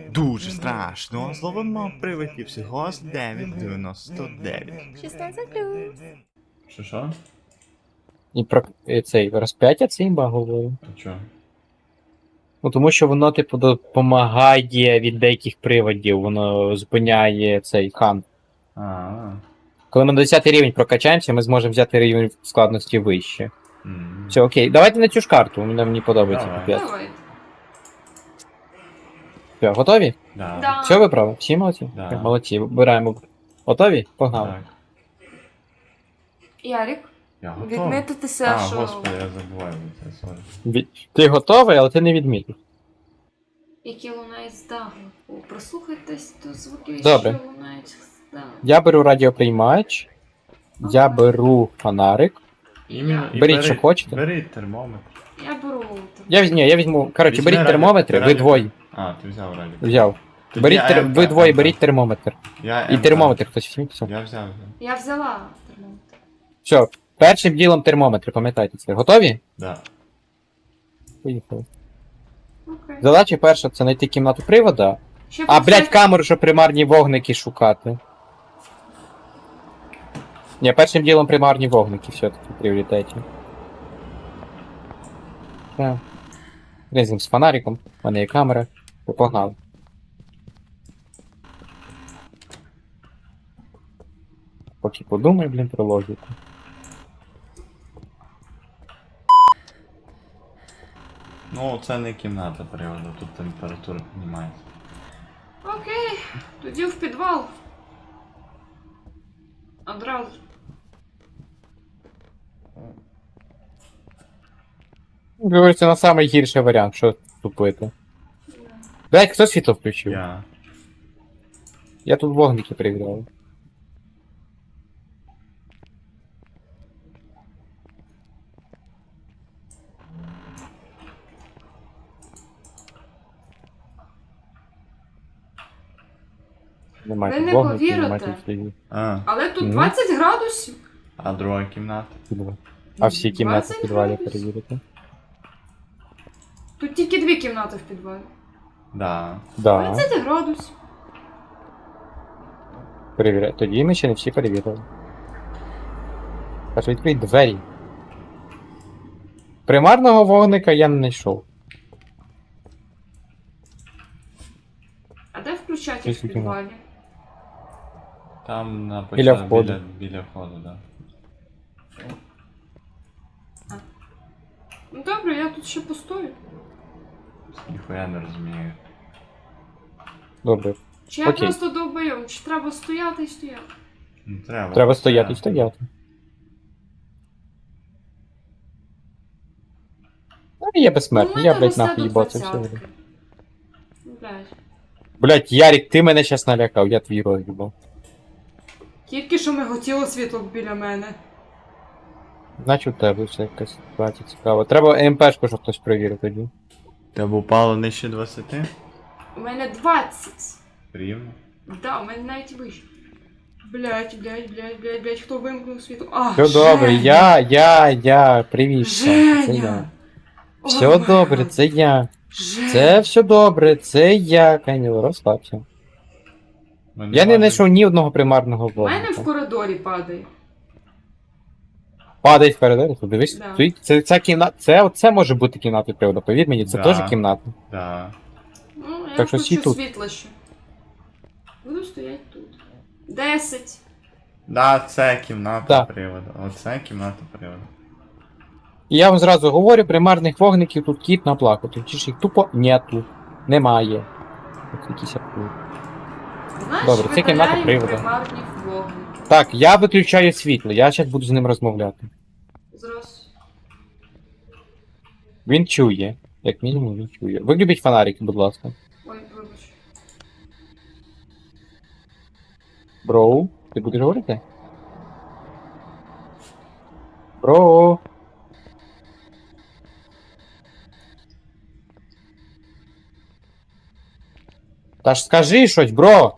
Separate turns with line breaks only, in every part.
дуже страшно. Зловимо привидів всього з 9,99.
16+.
Що?
І про цей розп'яття це імба говорю.
А чо?
Ну тому що воно, типу, допомагає від деяких приводів, воно зупиняє цей хан.
А.
Коли ми на 10 рівень прокачаємося, ми зможемо взяти рівень складності вище.
М.
Все, окей, давайте на цю ж карту, мені подобається.
Давай.
Капець.
Давай.
Все, готові?
Да.
Да.
Все виправили? Всі молодці?
Да.
Молодці, вибираємо. Готові? Погнали.
Так.
Ярик,
Я готовий.
відмітитися,
А,
що...
господи, я забуваю про це, сорі.
Ти готовий, але ти не відмітив.
Які лунають з даху. Прослухайтесь до звуків,
Добре.
що лунають з даху.
Я беру радіоприймач, я беру фонарик.
Іменно, і
Беріть, що хочете.
Беріть термометр.
Я беру...
Я візьму. Коротше,
Візьми
беріть термометри, ви
радіо.
двоє.
А, ти взяв радіо.
Взяв.
Тоді
Беріть
МК,
ви двоє
МК.
беріть термометр.
Я
І
МК.
термометр хтось візьміть. Все.
Я взяв.
Я взяла термометр.
Все, першим ділом термометр, пам'ятайте це. Готові?
Да.
Поїхали.
Окей.
Задача перша це знайти кімнату привода.
Ще
А, блядь,
почати-
камеру, щоб примарні вогники шукати. Ні, першим ділом примарні вогники все-таки в пріоритеті. Так. Різним з фонариком, в мене є камера. То погнали. Поки подумай, блін, про логіку.
Ну, це не кімната приводу, тут температура піднімається.
Окей, тоді в підвал. Одразу.
Говориться, на самий гірший варіант, що тупити. Блядь, хто світло включив? Я тут вогники перевіряю. Немає
Ви
тут
не
вогників,
повірите.
немає тут слідів.
Але тут
Мгм.
20 градусів.
А друга кімната?
А всі кімнати
20
в підвалі
градусів.
перевірити?
Тут тільки 2 кімнати в підвалі.
Да.
Да,
20 градусів.
перевіряю. Тоді ми ще не всі перевірили. Аж відкрий двері. Примарного вогника я не знайшов.
А де включати
Щось
в підвалі?
Там на
Біля
початку,
входу.
біля входу, да.
Ну добре, я тут ще постою.
Ніхуя не розумію.
Добре.
Чи я
Окей.
просто довбойом, чи треба стояти і стояти?
Ну, треба.
Треба стояти і стояти. Ну, я безсмертний, я, блядь, нахуй їбаться все.
Блядь.
Блядь, Ярик, ти мене щас налякав, я твій роз'їбав.
Тільки що миготіло світло біля мене.
Значить, у тебе все якась ситуація цікава. Треба МПшку, щоб хтось перевірив тоді.
Тебе упало нижче 20?
У мене 20.
Рівно.
Да, у мене навіть вище. Блядь, хто вимкнув світло? А,
Все добре, привіт. Це я.
Женя!
Все
О,
добре,
май
це я.
Женя!
Це все добре, це я, Каніло, розслабся. Я не знайшов ні одного примарного
У мене в
вогника.
коридорі падає.
Падай в коридор, тут дивись.
Да.
Стоїть. Ця кімната, це може бути кімнатою приводу, повір мені, це
Да.
теж кімната.
Да.
Ну, я
Так що всі
включу
тут.
світло ще. Буду стоять тут. 10.
Да, це кімната
Да.
приводу. Оце кімната приводу.
І я вам зразу говорю, примарних вогників тут кіт наплакати. Чи ж їх тупо нету. Немає. Ось якісь абсурд.
Знаєш,
Добре, це кімната
видаляємо
приводу.
примарні вогники.
Так, я виключаю світло, я зараз буду з ним розмовляти.
Зразу.
Він чує. Як мінімум він чує. Виключіть фонарики, будь ласка.
Ой, вибач.
Броу, ти будеш говорити? Броу. Та ж скажи щось, бро.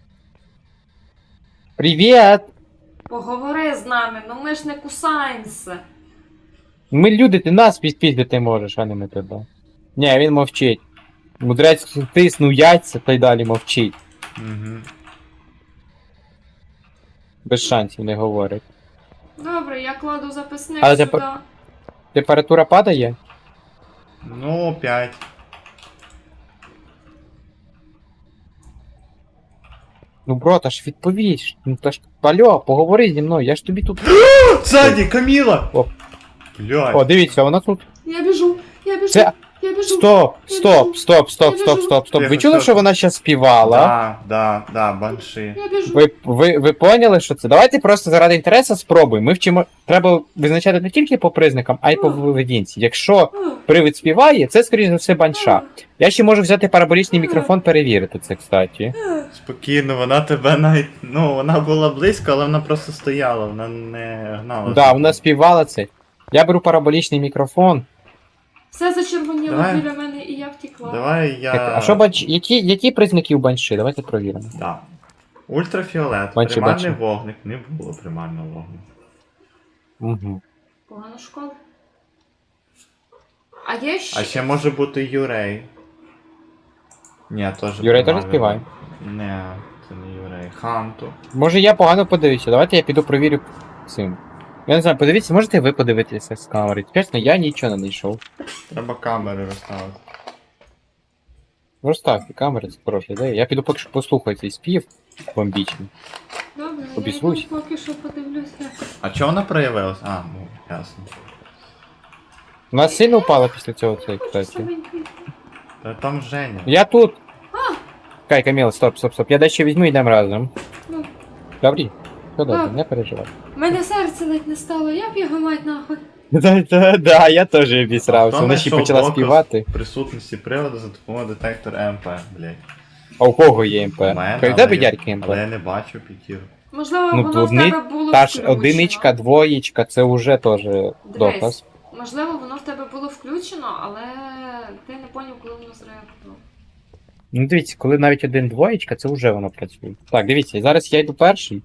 Привіт!
Поговори з нами, ну ми ж не кусаємося.
Ми люди, ти нас підпіздити можеш, а не ми тебе. Ні, він мовчить. Мудрець тиснув яйця та й далі мовчить.
Угу.
Без шансів не говорить.
Добре, я кладу записник
Але
сюди.
Температура падає?
Ну, 5.
Ну, бро, та ж відповість. Ну та ж. Алло, поговори зі мною, я ж тобі тут.
Ззаді, Каміла!
О.
Блядь.
О, дивіться, вона тут.
Я біжу,
Це.
я біжу.
Стоп! Ви чули,
Тихо,
що вона ще співала?
Да, банши.
Я біжу.
Ви поняли, що це? Давайте просто заради інтересу спробуємо. Ми вчимо. Треба визначати не тільки по признакам, а й по поведінці. Якщо привид співає, це, скоріш за все, банша. Я ще можу взяти параболічний мікрофон, перевірити це, кстати.
Спокійно, вона тебе навіть. Ну, вона була близько, але вона просто стояла, вона не гнала.
Да, вона співала це. Я беру параболічний мікрофон.
Все зачервоніло
Давай.
біля мене і я втекла.
Давай я.
Так, а що які признаки у банши? Давайте провіримо.
Да. Ультрафіолет,
Бачу,
примарний
бачу.
вогник, не було примарного вогнику.
Угу.
Погана школа. А є ще...
А ще може бути Юрей. Ні, теж.
Юрей теж
примарний
співає?
вогник. Не, це не Юрей. Ханту.
Може я погано подивився, давайте я піду провірю цим. Я не знаю, подивіться, можете ви подивитися з камери? Чесно, я нічого не знайшов.
Треба камери розставити.
Розставте камери, це хороша ідея. Я піду поки що послухаю цей спів бомбічний.
Добре, я
Обізвусь.
йду поки що подивлюся.
А чого вона проявилась? А, ну, ясно.
У нас сильно упало після цього цей, кстати.
Слабенький.
Та там Женя.
Я тут. Кай, Каміла, стоп. Я дещо візьму і йдемо разом.
Ну,
Добрі? Все добре,
Так.
не переживай.
в мене серце ледь не стало, я б його мать нахуй.
Да, я теж обісрався.
Хто
Вона ще
знайшов
почала
доказ
співати.
присутності приводу за допомогою детектора МП, блядь.
А у кого є МП?
У мене,
У
але
тебе
я-
дядьки МП?
Але я не бачу п'ятірку.
Можливо,
Ну,
воно в
одни-
тебе було
Та ж
включено.
одиничка, двоєчка, це вже теж доказ.
Можливо, воно в тебе було включено, але ти не поняв, коли воно зреагувало.
Ну дивіться, коли навіть один двоєчка, це вже воно працює. Так, дивіться, зараз я йду перший.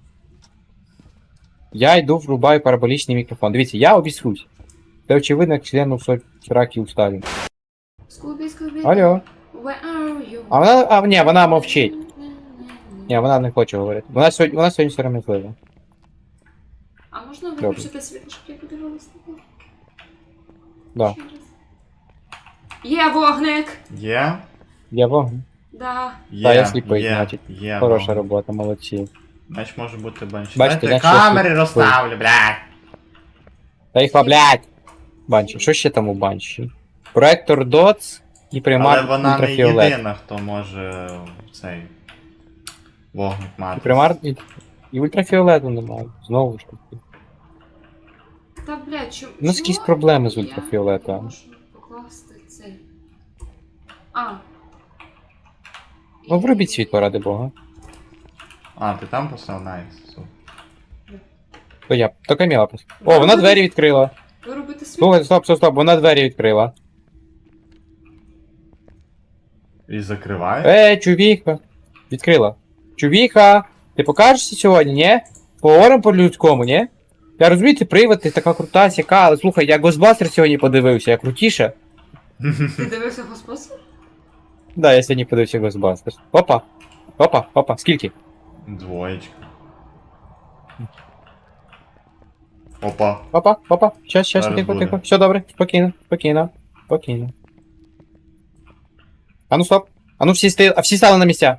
Я йду врубаю параболічний мікрофон. Дивіться, я обісрусь. Це очевидно, як члену раки уставі.
Скубі.
Алло.
Where are you?
Ні, вона мовчить. Ні, вона не хоче говорити. Вона сьогодні сором'язлива.
А можна
Добре.
виключити світло, щоб я подивилася?
Да.
Ще раз. Є вогник!
Є?
Я вогонь.
Да.
Є.
Та, я сліпий,
є,
значить.
Є.
Хороша
ну.
робота, молодці.
Значить може бути банші.
Бачите,
Дайте
значить, я
камери
сліпий.
розставлю, блядь.
Та їх блядь! Банші. Що ще там у банші? Проектор DOTS і
Але
примар
вона не
ультрафіолет.
єдина, хто може цей вогник
І
мати.
примар і ультрафіолету немає. Знову ж таки.
Та, блядь, чому?
У нас якісь проблеми з
Я
ультрафіолетом.
не можу покласти цей. А.
Ну врубіть світло, ради Бога.
А, ти там поставив? Найс. Супер.
То Каміла просто. О, вона двері відкрила.
Виробити світло.
Слухай, стоп, вона двері відкрила.
І закриває?
Чувіха. Відкрила. Чувіха, ти покажешся сьогодні, ні? Поговоримо по-людському, ні? Я розумію, ти привид, ти така крута, сяка, але слухай, я Ghostbusters сьогодні подивився, я крутіше.
Ти дивився господарство?
Да, я сьогодні подивився Ghostbusters. Опа, скільки?
Двоєчка. Опа.
Опа, щас,
Зараз
тихо,
буде.
тихо. Все добре, спокійно. А ну стоп. А ну всі стали на місця.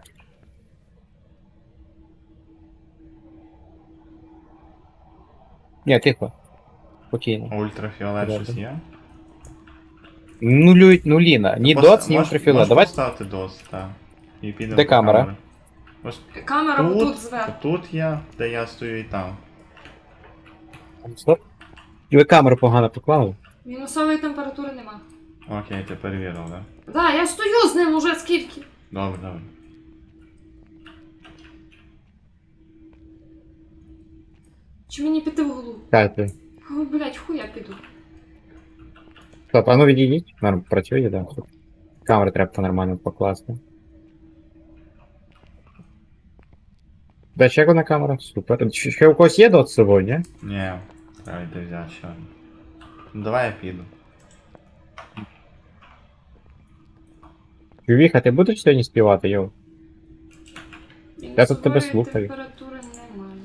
Ні, тихо. Спокійно.
Ультрафіолет
Добре.
щось є?
Нуліна. Ні доц, ні ультрафіолет. Давай.
Поставити доц, так. І підемо
Де
по
камера?
камері. Ось
Камера тут зверху.
тут я, де я стою і там.
Стоп. І ви камеру погано поклали.
Мінусової температури нема.
Окей, ти перевірив, да?
Да, я стою з ним уже скільки.
Добре.
Чи мені піти в голову?
Дайте.
О, блядь, хуй я піду.
Стоп, а ну відійдіть. Норм, працює, да. Камеру треба по-нормально покласти. Да, ще одна камера. Супер. Ще у когось є дот сьогодні?
Ні, треба йти взяти ще одну. Ну давай я піду.
Ювіха, ти будеш сьогодні співати, йоу? Я тут тебе
Мінусової
слухаю.
температури немає.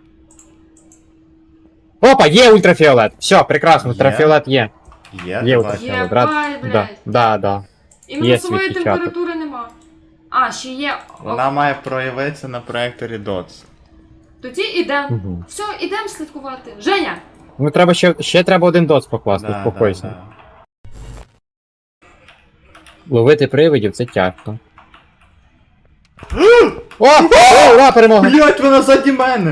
Опа, є ультрафіолет! Все, прекрасно,
Є?
ультрафіолет є.
Є,
Є
давай.
ультрафіолет.
Є,
рад-
бай,
Да,
блядь.
да.
І
Є
мінусової
свій печаток.
температури нема. А, ще є.
Вона має проявитися на проекторі DOTS.
Тоді ідем.
Угу.
Все, ідем слідкувати. Женя!
Ну треба ще треба один доц покласти,
Да,
успокойся.
да.
Ловити привидів це тяжко. О! Ура, перемога!
Блять, вона ззаді мене!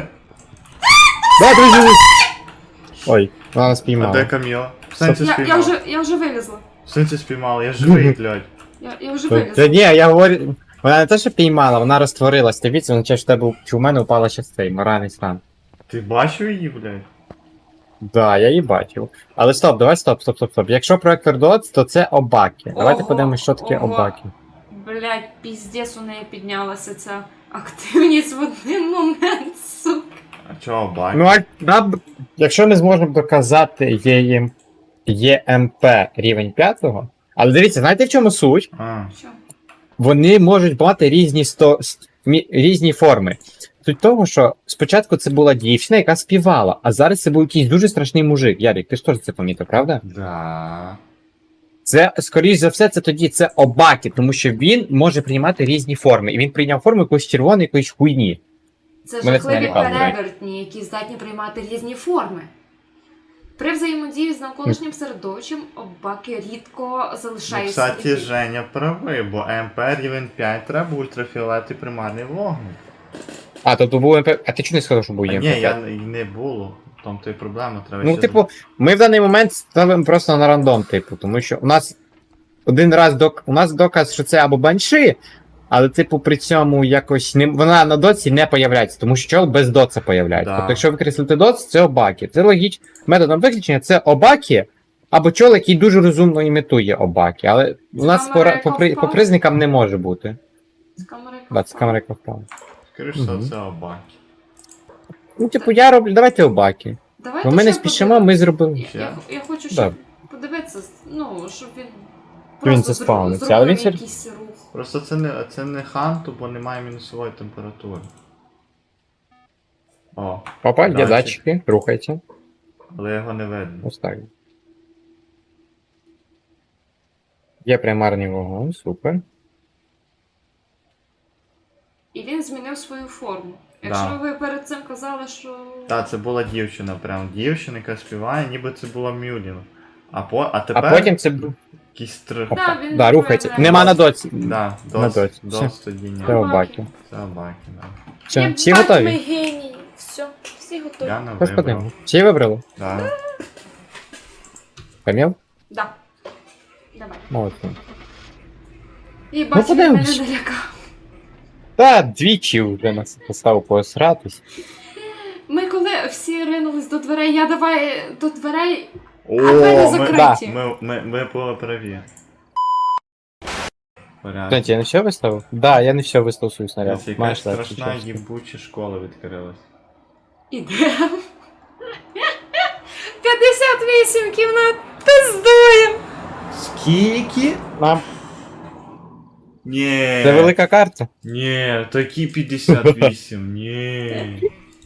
Да, друзі! Ой, вона нас
А де
піймала.
Каміла? В сенсі
Я
спіймала.
вже вилізла.
В сенсі спіймала, я живий, блядь.
Я вже
Та
вилізла.
ні, я говорю. Вона не те, що піймала, вона розтворилась. Дивіться, означає, що тебе чи у мене упала ще цей моральний стан.
Ти бачив її, блядь?
Да, я її бачив. Але стоп, давай стоп. Якщо проектор DOTS, то це обаки. Давайте
Ого,
подивимось, що таке
ого.
обаки.
Блять, піздець у неї піднялася ця активність в один момент, сука.
А чого бак?
Ну, якщо ми зможемо доказати ЄМП рівень 5, але дивіться, знаєте в чому суть?
А,
Що?
Вони можуть мати різні форми. Суть того, що спочатку це була дівчина, яка співала, а зараз це був якийсь дуже страшний мужик. Ярик, ти ж теж це помітив, правда?
да.
Це, скоріш за все, це обаки, тому що він може приймати різні форми. І він прийняв форму якоїсь червоної, якоїсь хуйні.
Це
Мене
жахливі
це налякало,
перевертні, які здатні приймати різні форми. При взаємодії з навколишнім середовищем обаки рідко
Ну,
залишають
кстати,
слідів.
Женя правий, бо МП рівень 5 треба ультрафіолет і примарний вогник.
А, тобто був МП. А ти чого не сказав, що був
А
ЄМП?
ні, я і не було. В тому то і проблема, треба
Ну,
ще
типу, ми в даний момент ставимо просто на рандом, типу, тому що у нас один раз у нас доказ, що це або банши, але, типу, при цьому якось не вона на доці не появляється, тому що чол без доца появляється.
Да.
Тобто, якщо викреслити доц, це обаки. Це логічно. Методом виключення це обаки, або чол, який дуже розумно імітує обаки. Але у нас
Камера, яка
по
впала?
признакам не може бути.
З камери
Да, це камера яка впала.
Скоріше за
Мгм.
все обаки.
Ну, типу, я роблю, давайте обаки.
Давайте
Бо ми не
ще
спішимо,
подивимось.
ми зробили.
Я хочу
Да.
ще подивитися, ну, щоб він
Він
просто
заспавниться, але він
зробив
все-
якийсь рух.
Просто це не ханту, бо немає мінусової температури. О,
Опа, є
Датчик.
датчики, рухайте.
але його не видно.
Ось так. Є примарний вогонь, супер.
І він змінив свою форму.
Да.
Якщо ви перед цим казали, що.
Так, це була дівчина, прям дівчина, яка співає, ніби це була Мюлін. А
А
тепер
потім це був.
якийсь трих.
Опа.
Да, він
Да, рухайте.
проявляє.
Нема на доці.
Да,
На
дос,
доці.
дос тоді ні.
Це обаки.
Це обаки, да.
Все, всі
Єбать, ми
готові?
генії. Все, всі готові.
Я не
Господи,
вибрав.
всі вибрали?
Да.
Кам'яв?
Да. Давай.
Молодці.
І бачу, він
подивимось.
мене налякав.
Та двічі вже нас поставив посратись.
Ми коли всі ринулись до дверей, я давай до дверей.
О,
двері
ми,
закриті.
ми були праві. Порядок.
Кстати, я не все виставив? Да, я не все виставив свою снаряд.
Якась
Маєш
страшна
рацію, чесно.
їбуча школа відкрилась.
Ідем. 58 кімнат. Пиздуєм.
Скільки?
Нам.
Ні.
Це велика карта.
Ні, такі 58, ні.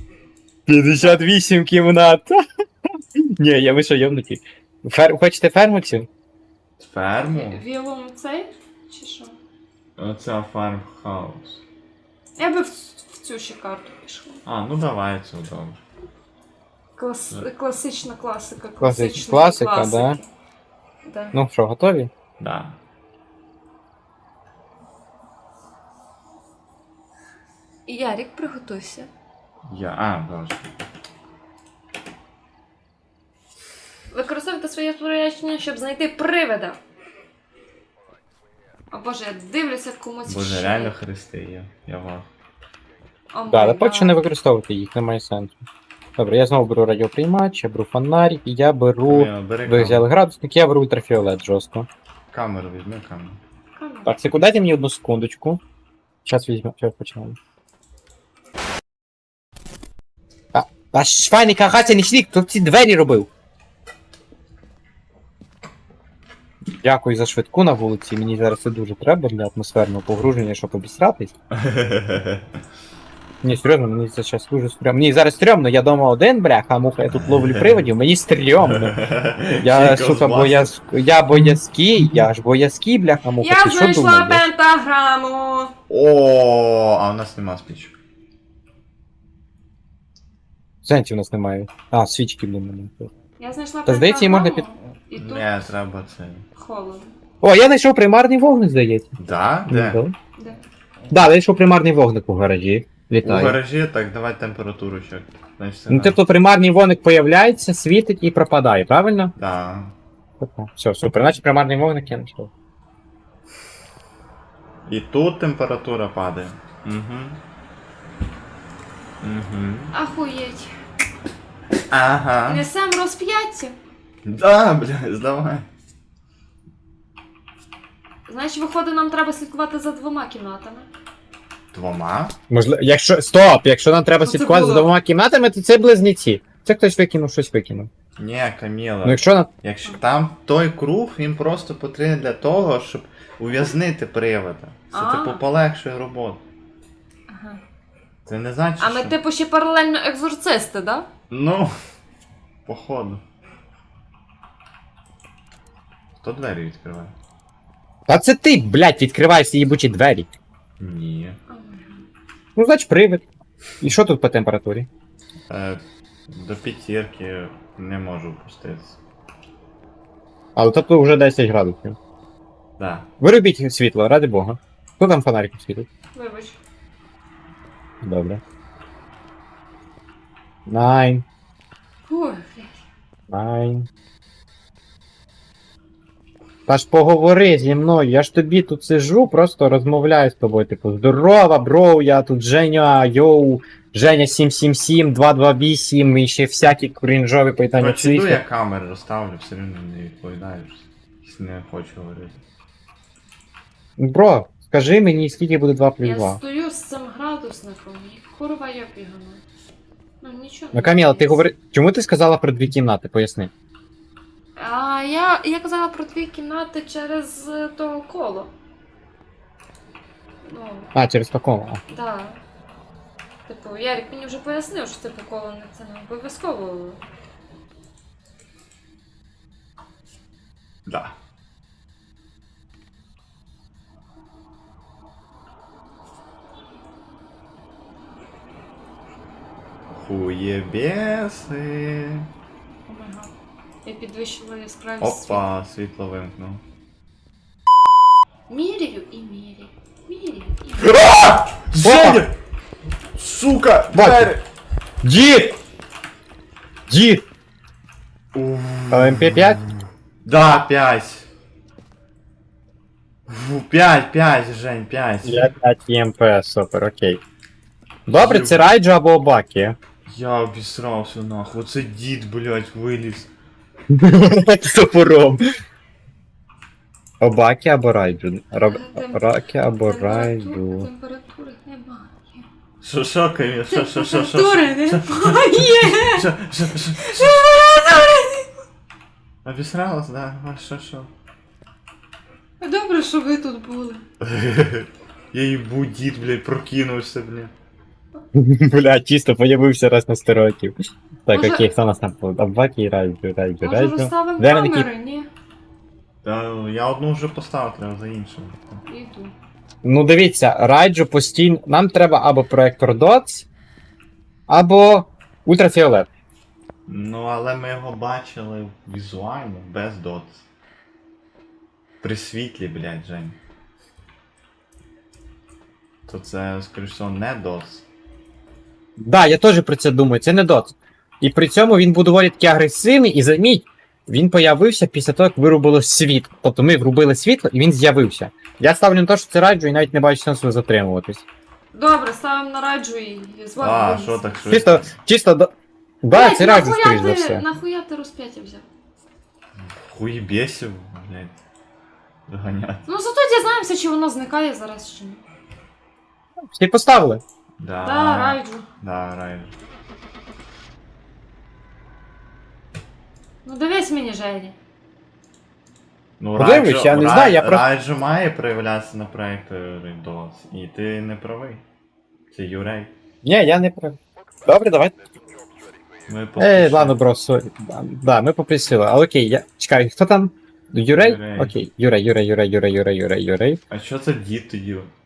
58 кімнат. Ні, я ви що, йомнуті. Хочете фермексів?
Ферму?
Вілом цей? Чи що?
Оце фармхаус.
Я би в цю ще карту пішла.
А, ну давай, це добре.
Класична класика.
Класика,
класики.
да.
Да.
Ну що, готові?
Да.
І Ярік, приготуйся.
Боже.
Використовуйте своє спорядження, щоб знайти привида. О боже, я дивлюся комусь в
Боже,
шию.
реально хрести є. Я вам.
О
Да,
май
але поки що
гад.
не використовувати їх, немає сенсу. Добре, я знову беру радіоприймач, я беру фонарик, і я беру.
Бери
Ви взяли
камеру.
градусник, я беру ультрафіолет жорстко.
Камеру візьми камеру.
Камера.
Так, секунду, дайте мені одну секундочку. Зараз візьмемо, зараз почнемо. А швайний кагаця не шлік, хто ці двері робив? дякую за швидку на вулиці. Мені зараз це дуже треба для атмосферного погруження, щоб обісратись. Ні, серйозно, мені це зараз дуже стрьомно. Мені зараз стрьомно, я дома один, бляха, муха, я тут ловлю приводів, мені стрьомно. Я, сука, я боязкий, я ж боязкий, бляха, муха,
Я
ти що
знайшла
думаєш?
пентаграму.
О, а у нас нема спічок.
Сенсів у нас немає. А, свічки, блін.
Я знайшла
Та, здається, її можна
пентаграму. І тут
Не, треба це.
холодно.
О, я знайшов примарний вогник, здається.
Да? Де?
Да.
Де?
Да, я знайшов примарний вогник у гаражі.
У
Вітаю.
гаражі, так, давай температуру ще. Значить, це
Ну, тобто примарний вогник появляється, світить і пропадає, правильно?
Да.
Все, супер. Значить примарний вогник я знайшов.
І тут температура падає. Угу. Угу.
Ахуєть.
Ага.
Несем розп'яття.
Да, бля, здавай.
Значить, виходить, нам треба слідкувати за 2 кімнатами.
Двома?
Можливо, якщо. Стоп! Якщо нам треба
Що це
слідкувати за
було?
2 кімнатами, то це близнеці. Це хтось викинув, щось викинув.
Ні, Каміла.
Ну якщо на.
Якщо там той круг, він просто потрібен для того, щоб ув'язнити привода. Це
А.
типу полегшує роботу.
Ага.
Це не значить,
А ми
що...
типу ще паралельно екзорцисти, да?
Ну, походу. Хто двері відкриває?
Та це ти, блядь, відкриваєш ці їбучі двері.
Ні.
Ну, значить, привид. І що тут по температурі?
До п'ятірки не можу опуститися.
Але тобто вже 10 градусів.
Да.
Виробіть світло, ради Бога. Хто там фонариком світить?
Вибач.
Добре. 9,
Ой, блядь.
9. Та ж поговори зі мною, я ж тобі тут сижу, просто розмовляю з тобою, типу, здорова, бро, я тут Женя, йоу, Женя 777, 228 і ще всякі крінжові питання
Короче, йду я
цифри.
камери розставлю, все рівно не відповідаєш. Не хочу говорити.
Бро, скажи мені, скільки буде 2 плюс
Я
2?
стою з цим градусником і курва я бігана. Ну нічого.
Ну, Каміла, ти говори, чому ти сказала про 2 кімнати, поясни.
А я казала про 2 кімнати через то коло. Ну,
А, через такому.
да. Типу, Ярик мені вже пояснив, що типу коло не це не обов'язково.
Да. Хуєбеси.
Омега. Я підвищила яскравість.
Опа, світло вимкнув.
Міряю і міряю. Міряю і міряю.
Женя! Сука!
Бачу.
Двері!
Дід! Дід! МП5?
Да, 5. 5, Жень, 5.
Я 5 ЄМП, супер, окей. Добре, це Райджо або Обакі.
Я обісрався нахуй. Оце дід, блядь, виліз.
З топором. Обакі або Райджу. Обакі або Райджу.
Температури немає.
Що, Каміл? Що?
Температури немає.
Що? Обісралась, да? А що?
Добре, що ви тут були.
Я їбу, дід, блядь, прокинувся, блядь.
Бля, чисто появився раз на стереотип. Так,
Може-
окей, хто у нас там? Обакі і Райджу.
Може розставимо
Де вони
камери? Ні.
Та я одну вже поставив, треба за іншим.
Іду.
Ну дивіться, Райджу постійно. Нам треба або проектор DOTS, або ультрафіолет.
Ну, але ми його бачили візуально, без дотс. При світлі, блядь, Жень. То це, скоріш всього, не дотс.
Да, я теж про це думаю, це не DOTS. І при цьому він був доволі таки агресивний, і заміть, він появився після того, як вирубило світло. Тобто ми врубили світло і він з'явився. Я ставлю на те, що це Райджу і навіть не бачу сенсу затримуватись.
Добре, ставимо на раджу і з вами.
А,
виліз.
що так швидко?
Чисто да,
Блядь,
це Райджу,
нахуя
скоріш за
ти-
все.
Нахуя ти розп'яття взяв?
Хуєбєсів, блядь. Виганяти.
Ну зато дізнаємося, чи воно зникає зараз чи ні.
Всі поставили.
Да.
Да, раджу.
Да, райджу.
Ну дивись мені, Жені.
Ну,
Подивись, я не знаю, я просто-
Райджо має проявлятися на проекторі DOS, і ти не правий. Це Юрей.
Ні, я не прав. Добре, давай.
Ми поспішили.
Ладно, бро, сорі. Да, ми попросили. А окей, я. Чекай, хто там? Юрей?
Юрей.
Окей, Юрей.
А що це дід тоді?